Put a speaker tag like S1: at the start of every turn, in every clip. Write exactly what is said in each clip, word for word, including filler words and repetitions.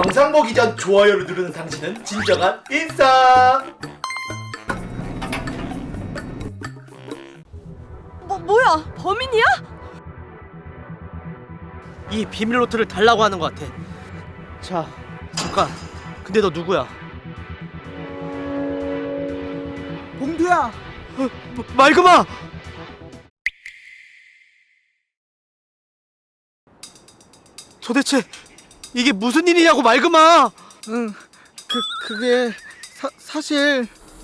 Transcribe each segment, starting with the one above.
S1: 영상 보기 전 좋아요를 누르는 당신은 진정한 인싸.
S2: 뭐, 뭐야? 범인이야?
S3: 이 비밀 노트를 달라고 하는 것 같아. 자, 잠깐. 근데 너 누구야?
S4: 봉두야.
S3: 어, 말금아! 도대체 이게 무슨 일이냐고, 말금아!
S4: 응. 그 그게 사 사실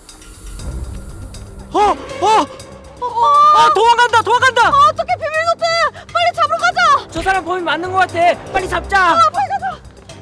S3: 어! 어! 아, 도망간다! 도망간다!
S2: 어떻게 비밀노트! 빨리 잡으러 가자!
S5: 저 사람 범인 맞는 것 같아. 빨리 잡자.
S2: 아, 빨리 가자!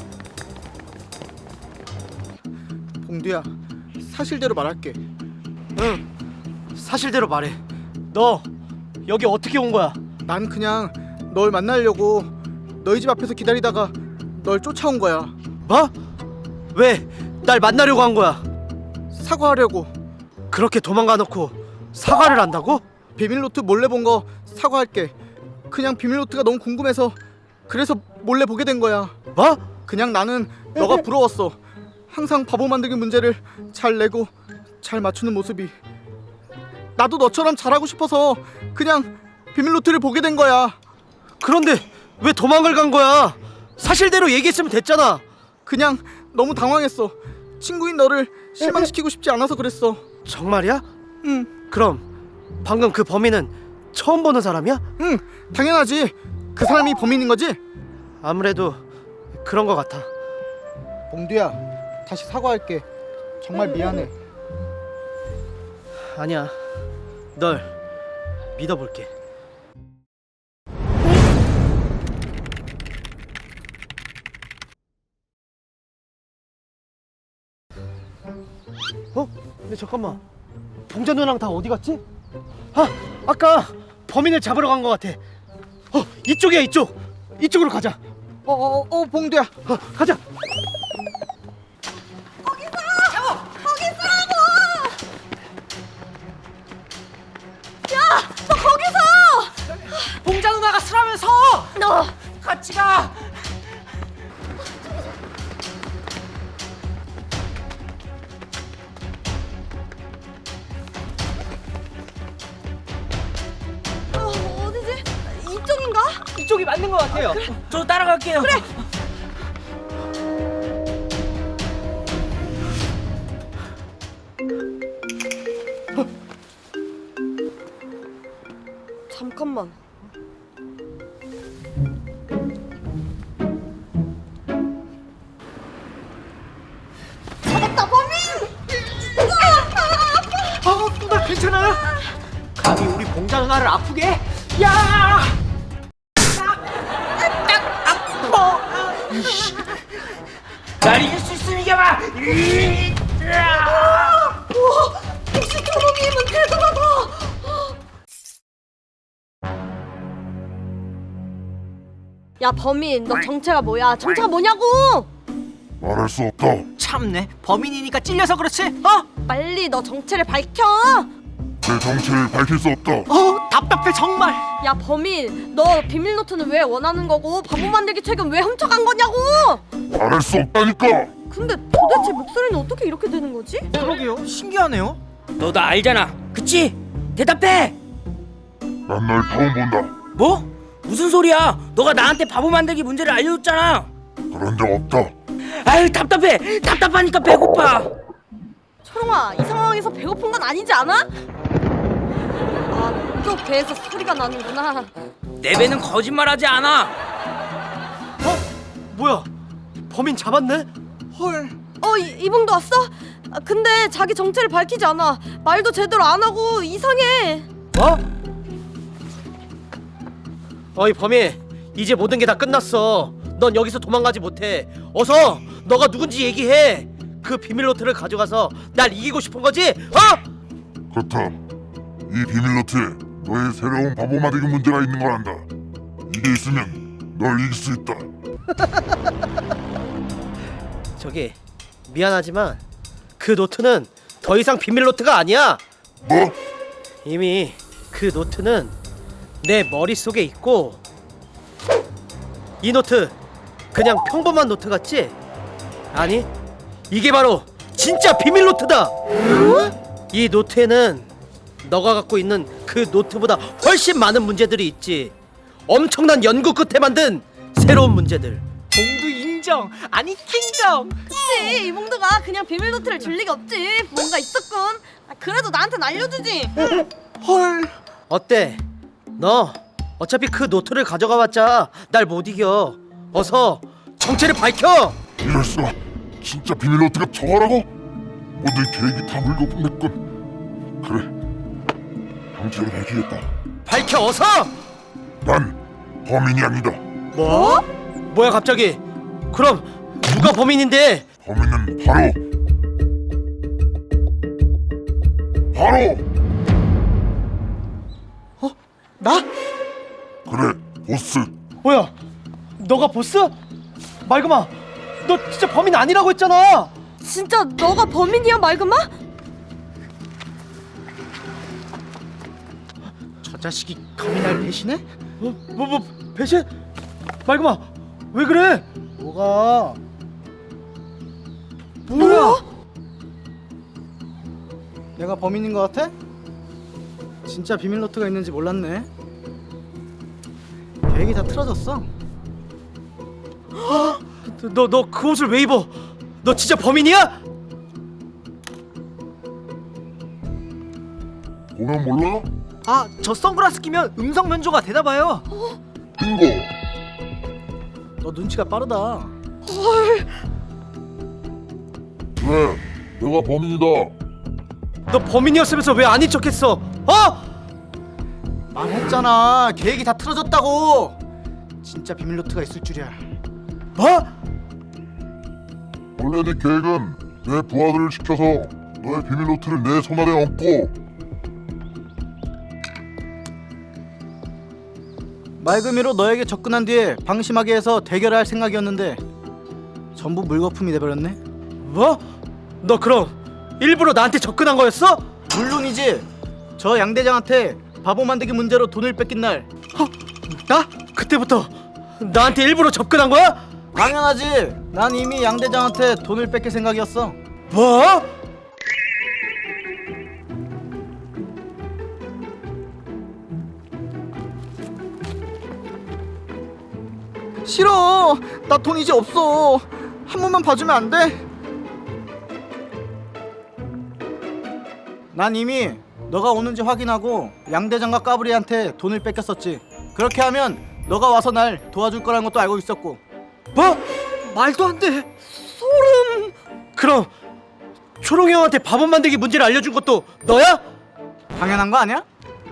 S4: 봉두야. 사실대로 말할게.
S3: 응, 사실대로 말해. 너 여기 어떻게 온 거야?
S4: 난 그냥 널 만나려고 너희 집 앞에서 기다리다가 널 쫓아온 거야.
S3: 뭐? 왜 날 만나려고 한 거야?
S4: 사과하려고.
S3: 그렇게 도망가 놓고 사과를 한다고?
S4: 비밀노트 몰래 본 거 사과할게. 그냥 비밀노트가 너무 궁금해서 그래서 몰래 보게 된 거야.
S3: 뭐?
S4: 그냥 나는 너가 부러웠어. 항상 바보 만들기 문제를 잘 내고 잘 맞추는 모습이. 나도 너처럼 잘하고 싶어서 그냥 비밀노트를 보게 된 거야.
S3: 그런데 왜 도망을 간 거야? 사실대로 얘기했으면 됐잖아.
S4: 그냥 너무 당황했어. 친구인 너를 실망시키고 싶지 않아서 그랬어.
S3: 정말이야?
S4: 응,
S3: 그럼 방금 그 범인은 처음 보는 사람이야?
S4: 응, 당연하지. 그 사람이 범인인 거지?
S3: 아무래도 그런 거 같아.
S4: 봉두야, 다시 사과할게. 정말 미안해.
S3: 아니야, 널 믿어볼게. 어? 근데 잠깐만, 봉자 누나랑 다 어디 갔지? 아, 아까 범인을 잡으러 간 것 같아. 어, 이쪽이야, 이쪽. 이쪽으로 가자.
S4: 어, 어, 어, 봉두야.
S3: 어, 가자.
S2: 너 거기서!
S5: 봉자 누나가 쓰라면서.
S2: 너!
S5: 같이 가.
S2: 어, 어디지? 이쪽인가?
S5: 이쪽이 맞는 것 같아요. 저 따라갈게요. 그래.
S2: 잠깐만. 찾았다, 범인!
S3: 아, 누나 괜찮아요? 감히 우리 봉자 누나를 아프게 해?
S5: 야! 날 이길 수 있으면 이겨봐.
S2: 우와! 역시 경험이면 대단하다! 야, 범인, 너 정체가 뭐야? 정체가 뭐냐고!
S6: 말할 수 없다.
S5: 참네. 범인이니까 찔려서 그렇지. 어?
S2: 빨리 너 정체를 밝혀!
S6: 내 정체를 밝힐 수 없다.
S5: 어, 답답해 정말.
S2: 야, 범인, 너 비밀노트는 왜 원하는 거고 바보 만들기 책은 왜 훔쳐간 거냐고!
S6: 말할 수 없다니까.
S2: 근데 도대체 목소리는 어떻게 이렇게 되는 거지?
S5: 그러게요. 신기하네요. 너 나 알잖아. 그치? 대답해.
S6: 난 널 처음 본다.
S5: 뭐? 무슨 소리야? 너가 나한테 바보 만들기 문제를 알려줬잖아.
S6: 그런 적 없다.
S5: 아유 답답해. 답답하니까 배고파.
S2: 초롱아, 이 상황에서 배고픈 건 아니지 않아? 아, 또 배에서 소리가 나는구나.
S5: 내 배는 거짓말하지 않아.
S3: 어? 뭐야? 범인 잡았네?
S4: 헐.
S2: 어, 이, 이봉도 왔어? 아, 근데 자기 정체를 밝히지 않아. 말도 제대로 안 하고 이상해.
S3: 뭐? 어이 범인, 이제 모든 게 다 끝났어. 넌 여기서 도망가지 못해. 어서 너가 누군지 얘기해. 그 비밀 노트를 가져가서 날 이기고 싶은 거지? 어?
S6: 그렇다. 이 비밀 노트에 너의 새로운 바보 만들기 문제가 있는 걸 안다. 이게 있으면 널 이길 수 있다.
S3: 저기 미안하지만 그 노트는 더 이상 비밀 노트가 아니야.
S6: 뭐?
S3: 이미 그 노트는 내 머릿속에 있고, 이 노트 그냥 평범한 노트 같지? 아니, 이게 바로 진짜 비밀 노트다. 이 노트에는 너가 갖고 있는 그 노트보다 훨씬 많은 문제들이 있지. 엄청난 연구 끝에 만든 새로운 문제들.
S5: 봉두 인정. 아니 킹정.
S2: 그치, 이몽두가 그냥 비밀 노트를 줄 리가 없지. 뭔가 있었군. 아, 그래도 나한텐 알려주지.
S4: 헐.
S3: 어때? 너 어차피 그 노트를 가져가봤자 날 못 이겨. 어서 정체를 밝혀.
S6: 이럴 수가. 진짜 비밀 노트가 저거라고? 모든 계획이 다 물거품냈군. 그래, 정체를 밝히겠다.
S3: 밝혀 어서.
S6: 난 범인이 아니다.
S3: 뭐? 뭐야 갑자기? 그럼 누가 범인인데?
S6: 범인은 바로 바로
S3: 나?
S6: 그래, 보스.
S3: 뭐야? 너가 보스? 말그마, 너 진짜 범인 아니라고 했잖아.
S2: 진짜 너가 범인이야, 말그마?
S4: 저 자식이 감히 날 배신해?
S3: 뭐, 뭐, 뭐 배신? 말그마, 왜 그래?
S4: 뭐가?
S3: 뭐야?
S4: 내가 범인인 것 같아? 진짜 비밀 노트가 있는지 몰랐네. 계획이 다 틀어졌어.
S3: 너 너 그 옷을 왜 입어? 너 진짜 범인이야?
S6: 보면 몰라?
S5: 아, 저 선글라스 끼면 음성 변조가 되나봐요.
S6: 빙고.
S4: 너 눈치가 빠르다.
S6: 그래, 내가 범인이다.
S3: 너 범인이었으면서 왜 아닌 척했어? 어?
S4: 말했잖아. 계획이 다 틀어졌다고. 진짜 비밀 노트가 있을 줄이야.
S3: 뭐?
S6: 원래 내 계획은 내 부하들을 시켜서 너의 비밀 노트를 내 손 아래 얹고
S4: 맑음이로 너에게 접근한 뒤에 방심하게 해서 대결할 생각이었는데 전부 물거품이 돼버렸네.
S3: 뭐? 너 그럼 일부러 나한테 접근한 거였어?
S4: 물론이지. 저 양 대장한테 바보 만들기 문제로 돈을 뺏긴 날
S3: 어? 나? 그때부터 나한테 일부러 접근한 거야?
S4: 당연하지. 난 이미 양 대장한테 돈을 뺏길 생각이었어.
S3: 뭐?
S4: 싫어. 나 돈 이제 없어. 한 번만 봐주면 안 돼? 난 이미 너가 오는지 확인하고 양 대장과 까불이한테 돈을 뺏겼었지. 그렇게 하면 너가 와서 날 도와줄 거라는 것도 알고 있었고.
S3: 뭐? 말도 안 돼. 소름. 그럼 초롱이 형한테 바보 만들기 문제를 알려준 것도 너야?
S4: 당연한 거 아니야?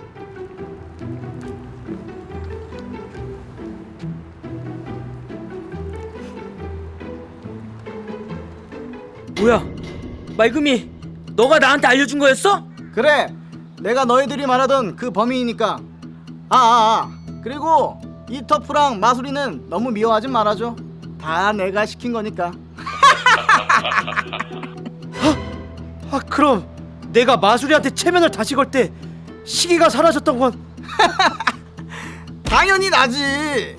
S5: 뭐야? 맑음이 너가 나한테 알려준 거였어?
S4: 그래. 내가 너희들이 말하던 그 범인이니까. 아, 아, 아. 그리고 이 터프랑 마술이는 너무 미워하지 말아줘. 다 내가 시킨 거니까.
S3: 아 그럼 내가 마술이한테 체면을 다시 걸 때 시기가 사라졌던 건
S4: 당연히 나지.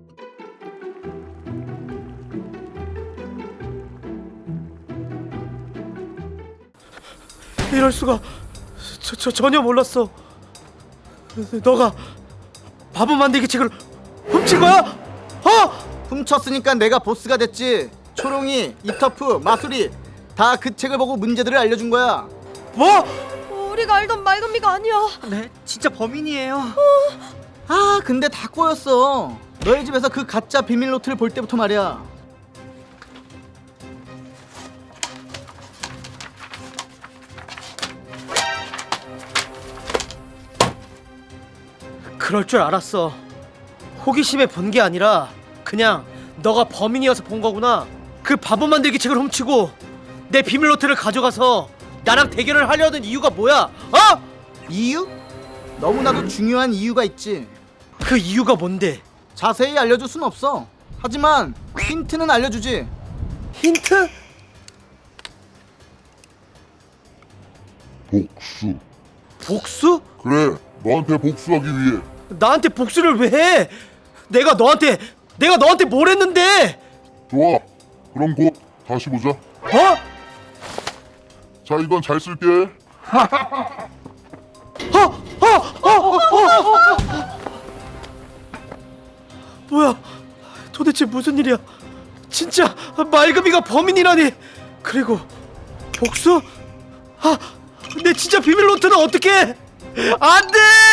S3: 이럴 수가. 저, 저 전혀 몰랐어. 너가 바보 만들기 책을 훔친 거야? 어?
S4: 훔쳤으니까 내가 보스가 됐지. 초롱이, 이터프, 마술이 다 그 책을 보고 문제들을 알려준 거야.
S3: 뭐?
S2: 우리가 알던 말금이가 아니야.
S5: 네, 진짜 범인이에요.
S4: 아, 근데 다 꼬였어. 너희 집에서 그 가짜 비밀 노트를 볼 때부터 말이야.
S3: 그럴 줄 알았어. 호기심에 본 게 아니라 그냥 너가 범인이어서 본 거구나. 그 바보 만들기 책을 훔치고 내 비밀 노트를 가져가서 나랑 대결을 하려는 이유가 뭐야? 어?
S4: 이유? 너무나도 중요한 이유가 있지.
S3: 그 이유가 뭔데?
S4: 자세히 알려줄 순 없어. 하지만 힌트는 알려주지.
S3: 힌트?
S6: 복수.
S3: 복수?
S6: 그래, 너한테 복수하기 위해.
S3: 나한테 복수를 왜 해? 내가 너한테 내가 너한테 뭘 했는데?
S6: 좋아. 그럼 곧 다시 보자.
S3: 어?
S6: 자, 이건 잘 쓸게.
S3: 어? 어? 어? 어? 뭐야? 도대체 무슨 일이야? 진짜 말금이가 범인이라니. 그리고 복수? 아, 내 진짜 비밀 노트는 어떻게? 안 돼!